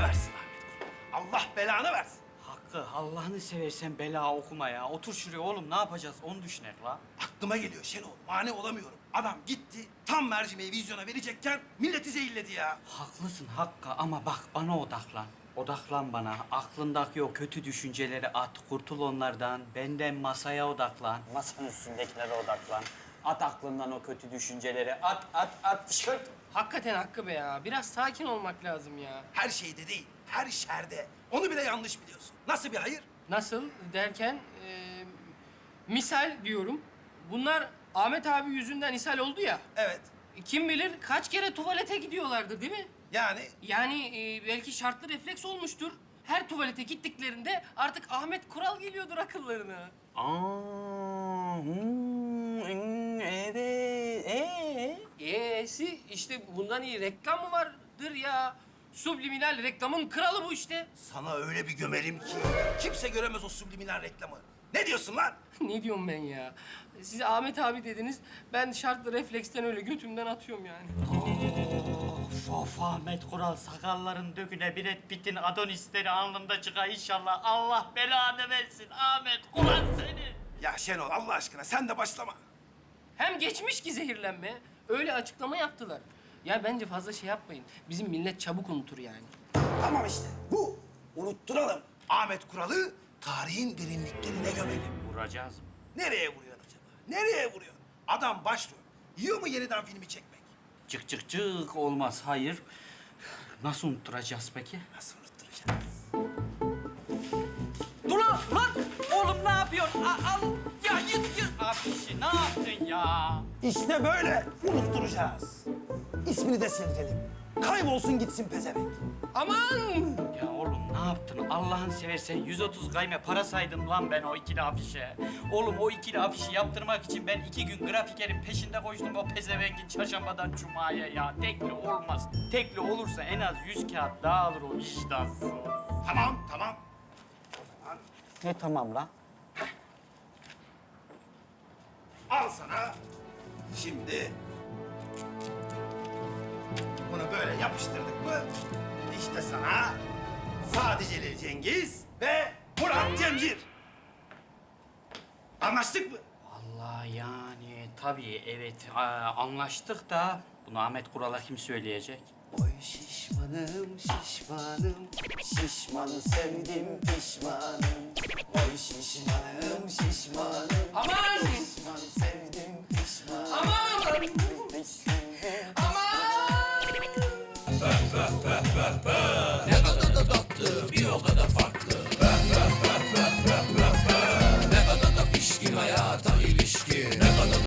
versin Ahmet Kural. Allah belanı versin. Hakkı, Allah'ını seversen bela okuma ya. Otur şuraya oğlum, ne yapacağız onu düşünek la. Aklıma geliyor Şenol. Mane olamıyorum. Adam gitti tam mercimeği vizyona verecekken milleti zehirledi ya. Haklısın Hakkı ama bak bana odaklan. Odaklan bana. Aklındaki o kötü düşünceleri at. Kurtul onlardan. Benden masaya odaklan. Masanın üstündekilere odaklan. At aklından o kötü düşünceleri. At. Fışkırt. Hakikaten Hakkı be ya. Biraz sakin olmak lazım ya. Her şeyde değil, her şerde. Onu bile yanlış biliyorsun. Nasıl bir hayır? Nasıl derken misal diyorum. Bunlar Ahmet abi yüzünden ishal oldu ya. Evet. Kim bilir kaç kere tuvalete gidiyorlardı değil mi? Yani Yani belki şartlı refleks olmuştur. Her tuvalete gittiklerinde artık Ahmet Kural geliyordur akıllarına. Evet. E'si işte bundan iyi reklam mı vardır ya? Subliminal reklamın kralı bu işte. sana öyle bir gömerim ki kimse göremez o subliminal reklamı. Ne diyorsun lan? Ne diyorum ben ya? Siz Ahmet abi dediniz. Ben şartlı refleksten öyle götümden atıyorum yani. Of Ahmet Kural, sakalların döküne Brad Pitt'in Adonisleri alnında çıkar inşallah. Allah belanı versin Ahmet Kural seni. Ya Şenol Allah aşkına sen de başlama. Hem geçmiş ki zehirlenme. Öyle açıklama yaptılar. Ya bence fazla şey yapmayın. Bizim millet çabuk unutur yani. Tamam işte bu. Unutturalım. Ahmet Kural'ı tarihin derinliklerine gömelim. Vuracağız mı? Nereye vuruyorsun acaba? Nereye vuruyorsun? Adam başrol. Yiyor mu yeniden filmi çekmek? Çık olmaz, hayır. Nasıl unutturacağız peki? Nasıl unutturacağız? Dur lan! Oğlum ne yapıyorsun? Al! Ya yık! Abi ne yaptın ya? İşte böyle unutturacağız. İsmini de sildirelim. Kaybolsun gitsin pezevenk. Aman! Ya oğlum ne yaptın? Allah'ını seversen 130 gayme para saydım lan ben o ikili afişe. Oğlum o ikili afişi yaptırmak için ben 2 gün grafikerin peşinde koştum o pezevengin çarşambadan cumaya ya. Tekli olmaz. Tekli olursa en az 100 kağıt daha alır o vicdansız. Tamam. Ne tamam lan? Al sana. Şimdi bunu böyle yapıştırdık mı? İşte sana Sadece Cengiz ve Murat Cemcir. Anlaştık mı? Vallahi yani tabii evet anlaştık da bunu Ahmet Kural'a kim söyleyecek? Oy şişmanım, şişmanı sevdim pişmanım. Oy şişmanım, Aman! şişmanı sevdim pişmanım. Aman! Aman! Ne kadar da tatlı, bir o kadar farklı.